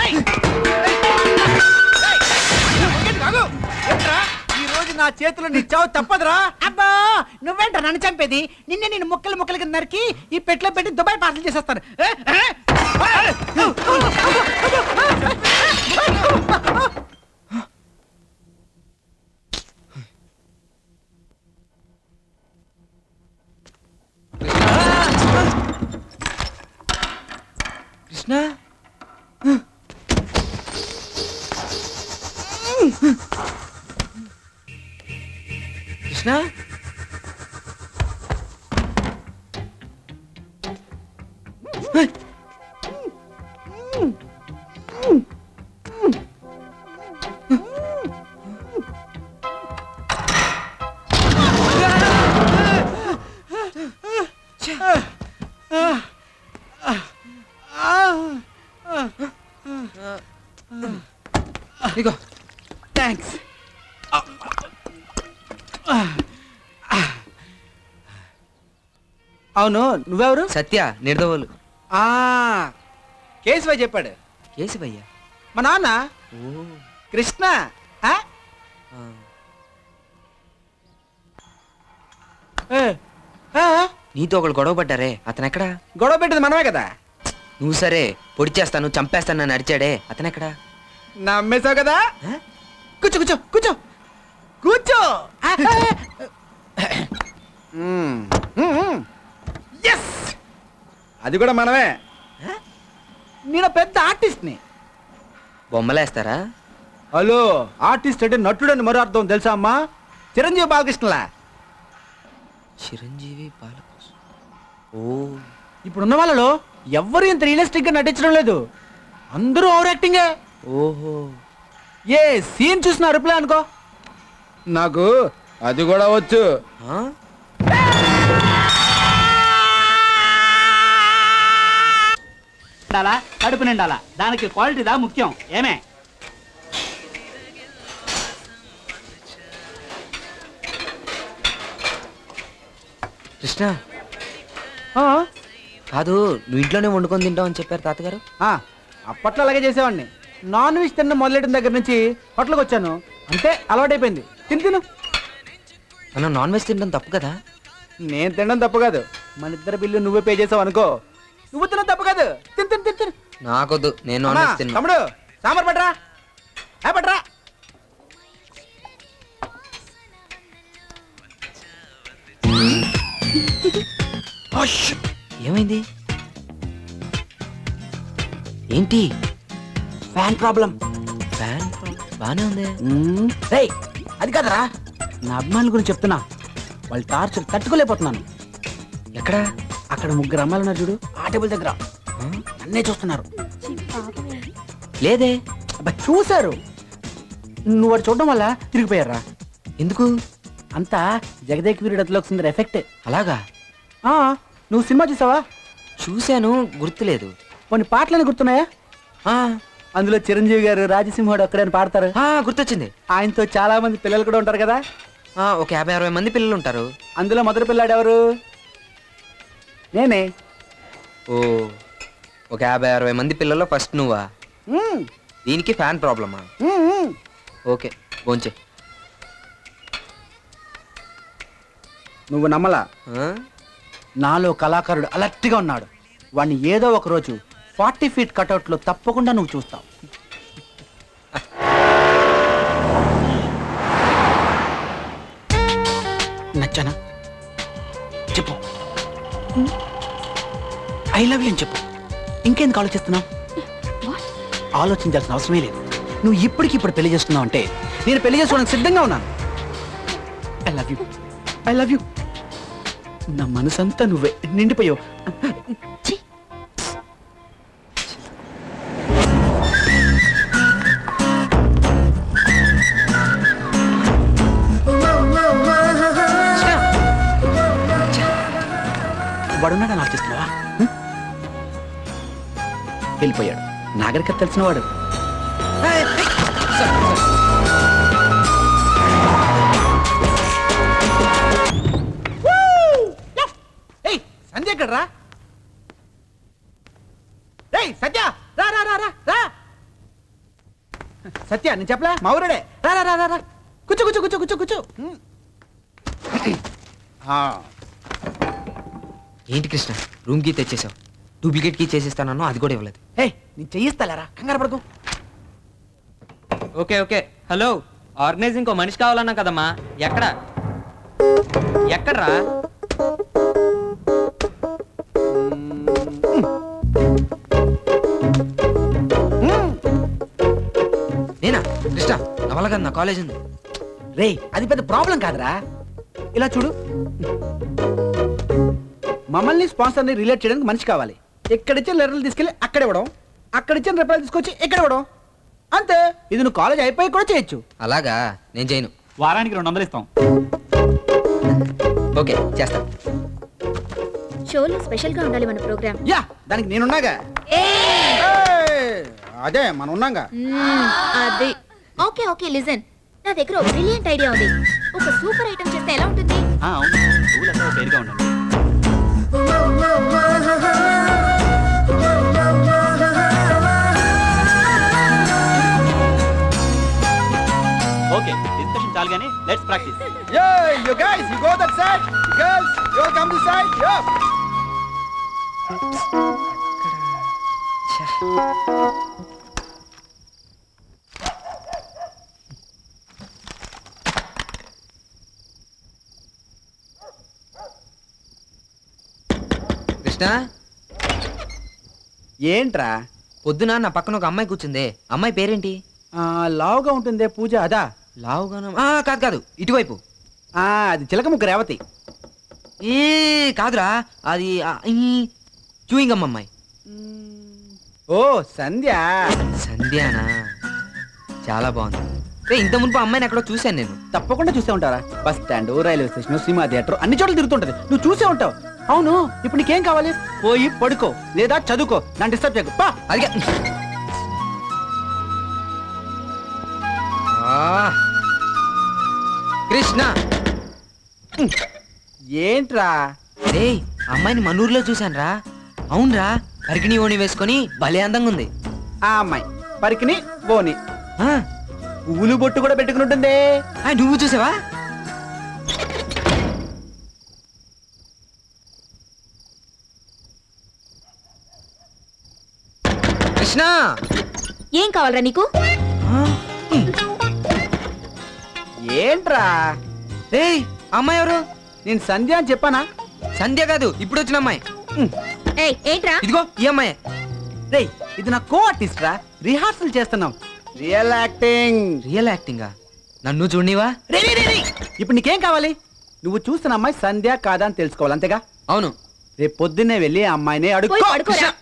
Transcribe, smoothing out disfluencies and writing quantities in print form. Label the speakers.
Speaker 1: ఈ రోజు నా చేతిలో నీ చావు తప్పదురా.
Speaker 2: అబ్బా నువ్వేంట నన్ను చంపేది? నిన్నే నేను ముక్కలు ముక్కలు కింద నరికి ఈ పెట్లో పెట్టి దుబాయ్ పార్సల్ చేసేస్తాను.
Speaker 1: కృష్ణ కృష్ణ ఇగో
Speaker 2: థ్యాంక్స్. అవును నువ్వెవరు?
Speaker 1: సత్య నిర్దవులు.
Speaker 2: కేశవ చెప్పాడు.
Speaker 1: కేశవయ్యా?
Speaker 2: మా నాన్న
Speaker 1: ఓ
Speaker 2: కృష్ణ.
Speaker 1: నీతో ఒకళ్ళు గొడవ పడ్డారే, అతనెక్కడా?
Speaker 2: గొడవ పెట్టింది మనమే కదా.
Speaker 1: నువ్వు సరే పొడి చేస్తాను చంపేస్తాను నన్ను అరిచాడే, అతనెక్కడా?
Speaker 2: నమ్మేశావు కదా. కూర్చో కూర్చో కూర్చో కూర్చో. అది కూడా మనమే. నేను పెద్ద ఆర్టిస్ట్ని.
Speaker 1: బొమ్మలేస్తారా?
Speaker 2: హలో, ఆర్టిస్ట్ అంటే నటుడని మరో అర్థం తెలుసా అమ్మా? చిరంజీవి బాలకృష్ణలా.
Speaker 1: చిరంజీవి బాలకృష్ణ. ఓ
Speaker 2: ఇప్పుడున్న వాళ్ళలో ఎవ్వరు ఇంత రియలిస్టిక్ గా నటించడం లేదు. అందరూ ఓవర్ యాక్టింగే.
Speaker 1: ఓహో,
Speaker 2: ఏ సీన్ చూసిన రిప్లై అనుకో. నాకు అది కూడా వచ్చు.
Speaker 3: కడుపు నిండాలా, దానికి క్వాలిటీదా ముఖ్యం. ఏమే
Speaker 1: కృష్ణ కాదు, నువ్వు ఇంట్లోనే వండుకొని తింటావు అని చెప్పారు తాతగారు.
Speaker 2: అప్పట్లో అలాగే చేసేవాడిని. నాన్ వెజ్ తిన్న మొదలెట్టిన దగ్గర నుంచి హోటల్కి వచ్చాను, అంతే అలవాటైపోయింది. తిను.
Speaker 1: మనం నాన్ వెజ్ తినడం తప్పు కదా?
Speaker 2: నేను తినడం తప్పు కాదు, మన ఇద్దరు బిల్లు నువ్వే పే చేసావు అనుకో. నువ్వు తినడం తప్పు కాదు. తిను.
Speaker 1: నాకొద్దు, నేను నాన్ వెజ్ తిన్నా.
Speaker 2: తమ్ముడు సాంబార్ పట్రా. పట్రా.
Speaker 1: ఏమైంది? ఏంటి?
Speaker 2: Fan problem.
Speaker 1: ఫ్యాన్ బానే ఉంది.
Speaker 2: అది కాదరా, నా అభిమానుల గురించి చెప్తున్నా. వాళ్ళ టార్చర్ తట్టుకోలేకపోతున్నాను.
Speaker 1: ఎక్కడ?
Speaker 2: అక్కడ 3 అమ్మాయిలు ఉన్నారు చూడు, ఆ టేబుల్ దగ్గర. నన్నే చూస్తున్నారు.
Speaker 1: లేదే.
Speaker 2: అబ్బా చూశారు. నువ్వు వాడు చూడడం వల్ల తిరిగిపోయారా?
Speaker 1: ఎందుకు?
Speaker 2: అంతా జగదేక్ వీరుడు అతిలోక సుందరి ఎఫెక్ట్.
Speaker 1: అలాగా?
Speaker 2: నువ్వు సినిమా చూసావా?
Speaker 1: చూశాను, గుర్తులేదు.
Speaker 2: కొన్ని పాటలని గుర్తున్నాయా? అందులో చిరంజీవి గారు రాజసింహుడు అక్కడే పాడతారు.
Speaker 1: గుర్తొచ్చింది.
Speaker 2: ఆయనతో చాలా మంది పిల్లలు కూడా ఉంటారు కదా.
Speaker 1: ఒక 50-60 మంది పిల్లలు ఉంటారు.
Speaker 2: అందులో మొదటి పిల్లాడు ఎవరు? నేనే.
Speaker 1: ఓ, ఒక 50-60 మంది పిల్లల్లో ఫస్ట్ నువ్వా? దీనికి ఫ్యాన్ ప్రాబ్లమా? ఓకే, భోంచే.
Speaker 2: నువ్వు నమ్మలా, నాలో కళాకారుడు అలర్ట్గా ఉన్నాడు. వాడిని ఏదో ఒక రోజు 40 ఫీట్ కటౌట్లో తప్పకుండా నువ్వు చూస్తావు. నచ్చానా? చెప్పు. ఐ లవ్ యూ అని చెప్పు. ఇంకెందుకు ఆలోచిస్తున్నావు? ఆలోచించాల్సిన అవసరమే లేదు. నువ్వు ఇప్పటికిప్పుడు పెళ్లి చేస్తున్నావు అంటే నేను పెళ్లి చేసుకోవడానికి సిద్ధంగా ఉన్నాను. I love you, I love you. నా మనసంతా నువ్వే నిండిపోయావు. వాడున్నాడని ఆలోచిస్తున్నావా? వెళ్ళిపోయాడు. నాగరికత తెలిసిన వాడు. సంధ్య ఎక్కడ రా? సత్య రా రా రా రా రా. సత్య నేను చెప్పలే మా ఊరుడే రా రా రా రా, రా కూర్చో కూర్చో కూర్చో కూర్చో కూర్చో ఆ,
Speaker 1: ఏంటి కృష్ణ రూమ్ కీ తెచ్చేసావు, డూప్లికేట్ కీ చేసిస్తానన్నా అది కూడా ఇవ్వలేదు.
Speaker 2: ఏయ్ నేను చెయ్యిస్తాలేరా కంగారు పడకు.
Speaker 4: Okay okay hello, organising co మనిషి కావాలన్నా కదమ్మా. ఎక్కడ ఎక్కడ్రా?
Speaker 1: నేనా కృష్ణ నా వల్ల కాదు, నా కాలేజ్ ఉంది.
Speaker 2: రేయ్ అది పెద్ద ప్రాబ్లం కాదురా, ఇలా చూడు. మమ్మల్ని స్పాన్సర్ని రిలేట్ చేయడానికి మనిషి కావాలి. ఇక్కడిచ్చిన లెటర్లు తీసుకెళ్ళి అక్కడ ఇవ్వడం, అక్కడిచ్చిన రిప్లైలు తీసుకొచ్చి ఇక్కడ ఇవ్వడం, అంతే. ఇది నువ్వు కాలేజ్ అయిపోయి కూడా చేయొచ్చు.
Speaker 1: అలాగా, నేను చేయను.
Speaker 3: వారానికి 200 ఇస్తాం.
Speaker 1: ఓకే చేస్తా.
Speaker 5: షోలో స్పెషల్ గా ఉండాలి మన ప్రోగ్రామ్.
Speaker 2: యా దానికి నేనున్నాగా. ఏయ్, అదే మనం ఉన్నాగా.
Speaker 5: అది ఓకే ఓకే లిజన్, నా దగ్గర ఒక బ్రిలియంట్ ఐడియా ఉంది. ఒక సూపర్ ఐటమ్ చేస్తే ఎలా ఉంటుంది?
Speaker 3: అవును, పువ్వులంతా పేరుగా ఉండండి. ఓకే డిస్కషన్ చాలు కానీ let's practise.
Speaker 2: Yeah, you guys, you go that side. Girls, you all come this side. Yeah.
Speaker 1: Krishna
Speaker 2: ఏంట్రా
Speaker 1: పొద్దున నా పక్కన ఒక అమ్మాయి కూర్చుందే, అమ్మాయి పేరేంటి?
Speaker 2: లావుగా ఉంటుందే పూజ, అదా?
Speaker 1: లావుగానా? కాదు కాదు, ఇటువైపు.
Speaker 2: అది చిలకముక్క రేవతి.
Speaker 1: ఏ కాదురా, అది చూయింగ్ అమ్మాయి.
Speaker 2: ఓ సంధ్య.
Speaker 1: సంధ్యానా? చాలా బాగుంది. ఇంత మునుపు అమ్మాయిని ఎక్కడో చూశాను నేను.
Speaker 2: తప్పకుండా చూసే ఉంటారా, bus stand, railway station, cinema theatre, అన్ని చోట్ల తిరుగుతుంటది. నువ్వు చూసే ఉంటావు. అవును, ఇప్పుడు నీకేం కావాలి? పోయి పడుకో లేదా చదువుకో, నన్ను డిస్టర్బ్ చేయకు. పా.
Speaker 1: అదిగే. కృష్ణ
Speaker 2: ఏంట్రా?
Speaker 1: రేయ్ అమ్మాయిని మన ఊర్లో చూశాను రా. అవునరా, పరికిణి ఓణి వేసుకొని భలే అందంగా ఉంది.
Speaker 2: ఆ అమ్మాయి పరికిని బోని
Speaker 1: ఆ,
Speaker 2: పువ్వులు బొట్టు కూడా పెట్టుకుని ఉంటుంది.
Speaker 1: నువ్వు చూసావా? కృష్ణ
Speaker 5: ఏం కావాలరా నీకు?
Speaker 2: ఏంట్రా?
Speaker 1: రేయ్ అమ్మాయి ఎవరు?
Speaker 2: నేను సంధ్య అని చెప్పానా?
Speaker 1: సంధ్య కాదు, ఇప్పుడు వచ్చిన అమ్మాయి.
Speaker 5: ఏయ్ ఏంట్రా?
Speaker 1: ఇదిగో ఈ అమ్మాయి.
Speaker 2: రేయ్ ఇది నా కో ఆర్టిస్ట్ రా, రిహార్సల్ చేస్తున్నాం. Real acting.
Speaker 1: రియల్ యాక్టింగా? నన్ను చూడనివా?
Speaker 2: ఇప్పుడు నీకేం కావాలి? నువ్వు చూస్తున్న అమ్మాయి సంధ్య కాదా అని తెలుసుకోవాలి, అంతేగా?
Speaker 1: అవును.
Speaker 2: రేపు పొద్దున్నే వెళ్ళి ఆ అమ్మాయిని
Speaker 5: పోయి
Speaker 2: అడుక్కో.
Speaker 5: పడుకోరా.